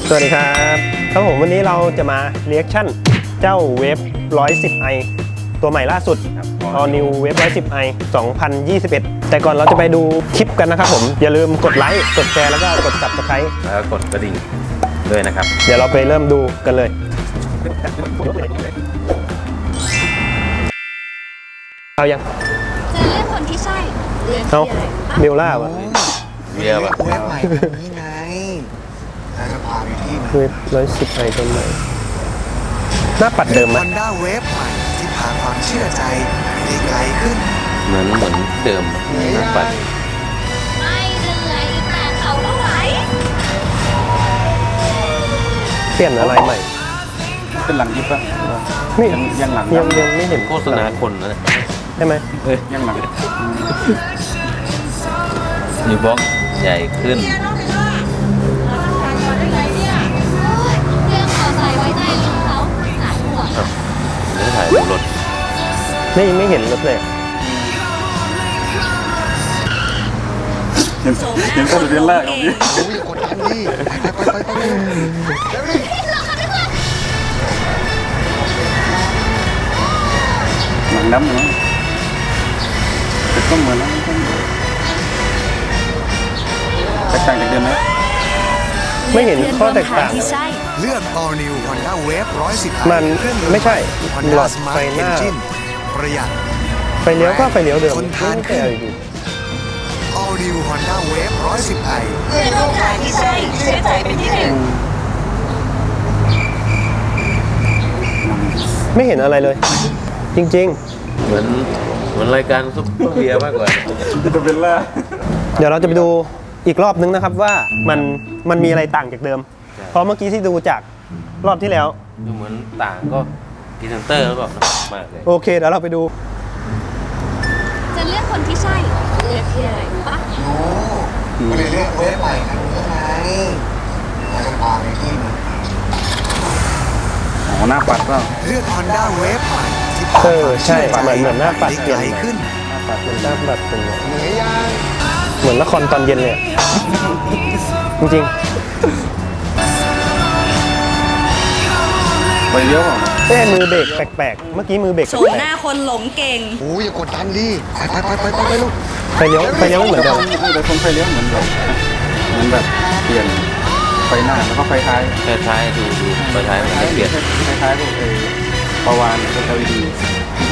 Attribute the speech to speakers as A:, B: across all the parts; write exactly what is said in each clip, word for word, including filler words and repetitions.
A: สวัสดีครับครับผมวันนี้เราจะมาเรีแอคชั่นเจ้าเวฟ หนึ่งร้อยสิบไอ ตัวใหม่ล่าสุด All New เวฟ หนึ่งร้อยสิบไอ สองพันยี่สิบเอ็ด แต่ก่อนเราจะไปดูคลิปกันนะครับผมอย่าลืมกดไลค์กดแชร์แล้วก็กด ซับสไครบ์
B: แล้วก็กดกระดิ่งด้วยนะครับ
A: เดี๋ยวเราไปเริ่มดูกันเลยเอายัง
C: จะเลือกคนที่ใช่เลือก
A: เอา
C: ที่อะไร
A: เบลล่าวะ
B: เบียร์แบบ
D: เว็บใหม่นี่ไงแล้วจะพาไปที่
A: เวฟ หนึ่งร้อยสิบไอ ตัวใหม่หน้าปัดเดิมไหม
D: ฮอนด้าเวฟใหม่ที่พาความเชื่อใจไปได้ไกลขึ้น
B: เหมือนเหมือนเดิมนะปัด
C: ไม่เหนื่อยแต่เขาก็ไหว
A: เปลี่ยนอะไรใหม่
E: เป็นหลังยิบปะ
A: นี่
E: ยังยังหลัง
A: ยังยังไม่เห็น
B: โฆษณาคนนะ
A: ใช่ไหม
B: เอ้ย
E: ยังหลัง
B: นิวบ็อกใหญ่ขึ้น
C: โอ๊ยเรื่องขอใส่ไว้ใจลุงเขาหายห่วง
B: เนื้อถ่ายดูรถ
A: ไม่ไม่เห็นรถเลย
E: เห็นเห็นต้นเดือนแรกของนี้
D: โอ้ยกดดันดิไปไปไปไป
E: หลังดำเนาะแต่ก็เหมือนนะแตกต่างจากเดิมไหม
A: ไม่เห็นข้อแตกต่าง
C: ที่ใช่
D: เลือก All New Honda Wave หนึ่งร้อยสิบ
A: มัน
D: เครื่องยนต์
A: ไม่ใช่
D: Honda
A: หลอด
D: Smart
A: ไฟหน้า
D: Engine ประหยัด
A: ไฟเลี้ยวก็ไฟเลี้ยวเดิม
D: ทนทาน
A: ไม่ใช่อะไรดี
D: All New Honda Wave หนึ่งร้อยสิบไอ
C: เพื่อนร่วมทางที่ใช่เชื่อใจเป็นที่หนึ่ง
A: ไม่เห็นอะไรเลย จริง
B: เหมือนเหมือนรายการซุปเปอร์เบียร์มากกว่า
E: จะเป็นแรก
A: ๆ เดี๋ยวเราจะไปดูอีกรอบนึงนะครับว่ามันมันมีอะไรต่างจากเดิม เพราะเมื่อกี้ที่ดูจากรอบที่แล้ว
B: ดูเหมือนต่างก็พรีเซนเตอร์หรือเปล่านะมากเลย
A: โอเคเดี๋ยวเราไปดู
C: จะเลือกคนที่ใช่เลือกที่อะไรปะ
D: โอ้ก็เลยเลือกเวฟใหม่คันนี้ไงแล้วจะพาไปที่มัน
E: อ๋อหน้าปัดก็
D: เลือก Honda Wave ใหม่ที่
A: เออใช่เหมือนเหมือนหน้าปัด
D: ไป
A: เปลี่ยน
D: ไกลขึ้น
A: เหมือนหน้าปัดเป็น
D: เหนื่อยยัง
A: เหมือนละครตอนเย็นเลยอะจริง
E: ไปเลี้ยวเปล่า
A: ๆเอ้มือเบรกแปลกๆ เมื่อกี้มือเบรก
C: โฉ
A: แป
C: ม
A: ล
C: ห
A: ก
C: น้าคนหลงเก่ง
D: โอ้ยอย่ากดดันดิไปไปไปไปไปไปลูก
A: ๆไฟเลี้ยวไฟเลี้ยวไม่เหมือนเดิม
E: แต่คนไฟเลี้ยวเหมือนแบบเหมือนแบบเปลี่ยนไฟหน้าแล้วก็ไฟท้าย
B: ไฟท้ายดูดูไฟท้ายมันไม่เปลี่ยน
E: คล้ายๆพวกเออประวานพวก แอล อี ดี ใช่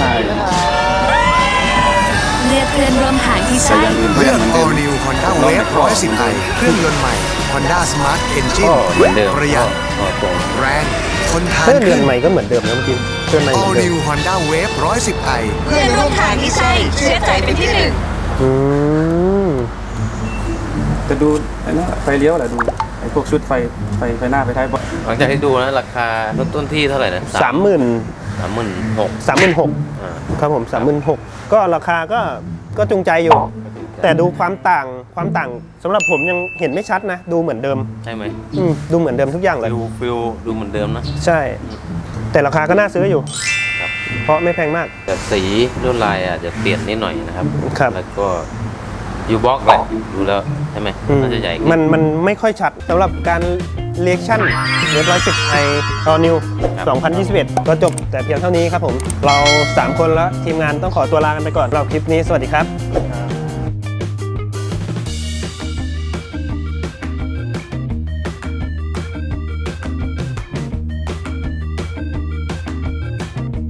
C: เลือกเพื่อนร่วมทางที่
E: แต่
C: ใช่
E: อย่างอื่นก็
D: เลื
E: ยั
D: อง ก
E: เหมือนเดิม
D: All New Honda Wave หนึ่งร้อยสิบไอเครื่องยนต์ใหม่ Honda Smart
B: ก็
D: Engine
B: เหมือนเดิม
D: ประหยัด
B: ก็ตรง
D: แรงทนทาน
A: เพื่อนเรื
D: ขึ้
A: อน
D: น
A: ใหม่ก็เหมือนเดิมนะเมื่อกี้เพื่อนใหม่เหมือ
D: All
A: นเดิม
D: New Honda Wave หนึ่งร้อยสิบไอ
C: เพื่อนร่วมทางที่ใช่เชื่อใจเป็นที่หนึ่ง
A: อืม
E: จะดูไอ้นั่นแหละไฟเลี้ยวแหละดูไอ้พวกชุดไฟไฟไฟหน้าไฟท้ายบอ
B: หลังจากที่ดูนะราคาเริ่มต้นที่เท่าไหร่นะ
A: สามหมื่น
B: สามหมื่นหก
A: สามหมื่นหก
B: อ่า
A: ครับผมสามหมื่นหกก็ราคาก็ก็จูงใจอยู่ แต่ดูความต่างความต่างสำหรับผมยังเห็นไม่ชัดนะ ดูเหมือนเดิม
B: ใช่ไหม
A: อืมดูเหมือนเดิมทุกอย่างเลย
B: ฟิลฟิลดูเหมือนเดิมนะ
A: ใช่ แต่ราคาก็น่าซื้ออยู่
B: ครับ
A: เพราะไม่แพงมาก
B: แต่สีลวดลายอาจจะเปลี่ยนนิดหน่อยนะครับ
A: ครับ
B: แล้วก็ยูบ็อกแหละดูแล้วใช่ไหม
A: อืม
B: น่าจะใหญ่ขึ้น
A: มันมันไม่ค่อยชัดสำหรับการเรีแอคชั่นเว็บร้อยสิบไอออนิวสองพันยี่สิบเอ็ดก็จบแต่เพียงเท่านี้ครับผม เรา สาม คนแล้วทีมงานต้องขอตัวลากันไปก่อนเราคลิปนี้สวัสดีครับ